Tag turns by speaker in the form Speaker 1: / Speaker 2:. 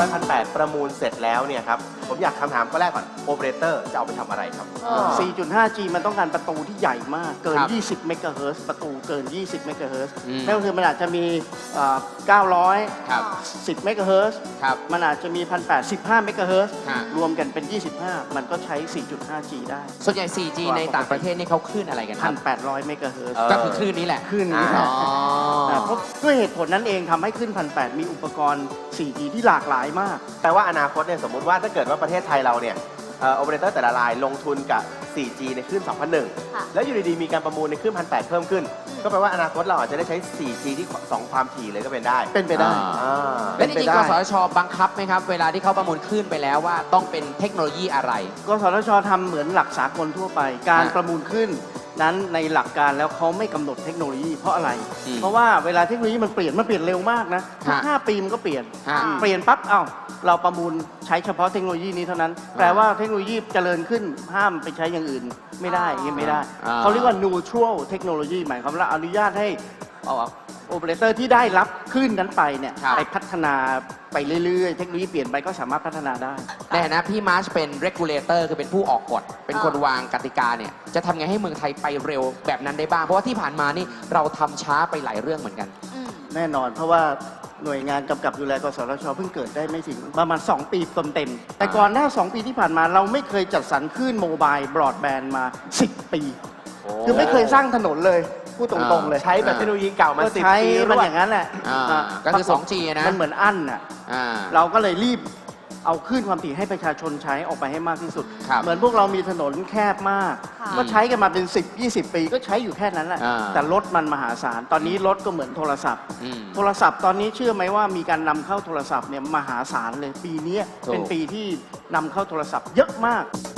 Speaker 1: 500 1,800ประมูลเสร็จแล้วเนี่ยครับผมอยากคำถามข้อแรกก่อนโอเปอเรเตอร์จะเอาไปทำอะไรครับ
Speaker 2: 4.5G มันต้องการประตูที่ใหญ่มาก เกิน
Speaker 3: ครับ
Speaker 2: 20 เมกะเฮิรตซ์ประตูเกิน 20 เมกะเฮิรตซ์
Speaker 3: อืม
Speaker 2: นั่นก็คือมันอาจจะมี 900
Speaker 3: ครับ
Speaker 2: 10 เมกะเฮิรตซ์
Speaker 3: ครับ
Speaker 2: มันอาจจะมี 1,815 เมกะเฮิรตซ์
Speaker 3: ฮะ
Speaker 2: รวมกันเป็น 25 มันก็ใช้ 4.5G ได้
Speaker 3: ส่วนใหญ่ 4G ในต่างประเทศนี่เขาคลื่นอะไรกันครับ
Speaker 2: 1,800 เมกะเฮิรตซ์
Speaker 3: ก็คือคลื่นนี้แหละ
Speaker 2: ขึ้นนี้
Speaker 3: อ๋
Speaker 2: ค่ะ
Speaker 3: อ
Speaker 2: เพราะด้วยเหตุผลนั้นเองทำให้ขึ้น 1,800 มีอุปกรณ์ 4G ที่หลากหลายมาก
Speaker 1: แปลว่าอนาคตเนี่ยสมมุติว่าถ้าเกิดว่าประเทศไทยเราเนี่ยโอเปอเรเตอร์แต่ละรายลงทุนกับ 4G ในคลื่น
Speaker 4: ค่ะ
Speaker 1: 2001 แล้วอยู่ดีๆมีการประมูลในคลื่น 1,800 เพิ่มขึ้น ก็แปลว่าอนาคตเราอาจจะได้ใช้ 4G ที่ 2 ความถี่เลยก็เป็นได้
Speaker 2: เป็นไปได้
Speaker 1: อ่า
Speaker 3: และจริงๆ
Speaker 2: เป็นไปได้
Speaker 3: กสทชบังคับไหมครับ เวลาที่เขาประมูลคลื่นไปแล้วว่าต้องเป็นเทคโนโลยีอะไร
Speaker 2: กสทชทำเหมือนหลักสากลทั่วไป การ
Speaker 3: ฮะ
Speaker 2: ประมูลขึ้นนั้นในหลักการแล้วเขาไม่กำหนดเทคโนโลยีเพราะอะไร
Speaker 3: อืม
Speaker 2: เพราะว่าเวลาเทคโนโลยีมันเปลี่ยนเร็วมากนะทุก
Speaker 3: ฮะ
Speaker 2: 5 ปีมันก็เปลี่ยน
Speaker 3: ฮะ
Speaker 2: เปลี่ยนปั๊บเราประมูลใช้เฉพาะเทคโนโลยีนี้เท่านั้นแปลว่าเทคโนโลยีเจริญขึ้นห้ามไปใช้อย่างอื่นไม่ได้อย่างนี้ไม่ได้ เขาเรียกว่า neutral technology หมายความว่าอนุญาตให้โอเปอเรเตอร์ที่ได้รับคลื่นนั้นไปเนี่ย
Speaker 3: ครับ
Speaker 2: ไปพัฒนาไปเรื่อยๆเทคโนโลยีเปลี่ยนไปก็สามารถพัฒนาได้
Speaker 3: ในฐานะพี่มาร์ชเป็น regulator คือเป็นผู้ออกกฎ เป็นคนวางกติกาเนี่ย จะทำไงให้เมืองไทยไปเร็วแบบนั้นได้บ้าง เพราะว่าที่ผ่านมานี่เราทำช้าไปหลายเรื่องเหมือนกัน
Speaker 2: แน่นอนเพราะว่าหน่วยงานกำกับดูแลกสทชเพิ่งเกิดได้ไม่ถึงประมาณ 2 ปีเต็มๆแต่ก่อนหน้า 2 ปีที่ผ่านมาเราไม่เคยจัดสรรคลื่นโมบายบรอดแบนด์มา 10 ปี คือไม่เคยสร้างถนนเลยพูดตรงๆเลย
Speaker 1: ใช้แบบเทคโนโลยีเก่ามา
Speaker 2: ก็
Speaker 1: 10
Speaker 2: ใช้
Speaker 1: ปีร
Speaker 2: มัน
Speaker 1: วด
Speaker 2: อย่างนั้นแหละ
Speaker 3: ก็คือ 2G นะ
Speaker 2: มันเหมือนอั้นน่ะ
Speaker 3: อ่า
Speaker 2: เราก็เลยรีบเอาคลื่นความถี่ให้ประชาชนใช้ออกไปให้มากที่สุด
Speaker 3: ครับ
Speaker 2: เหมือนพวกเรามีถนนแคบมาก
Speaker 4: ค่ะ
Speaker 2: ก็ใช้กันมาเป็น10-20 ปีก็ใช้อยู่แค่นั้นแหละ
Speaker 3: อ่า
Speaker 2: แต่รถมันมหาศาลตอนนี้รถก็เหมือนโทรศัพท์
Speaker 3: อืม
Speaker 2: โทรศัพท์ตอนนี้เชื่อไหมว่ามีการนำเข้าโทรศัพท์เนี่ยมหาศาลเลยปีนี้
Speaker 3: ถูก
Speaker 2: เป็นปีที่นำเข้าโทรศัพท์เยอะมาก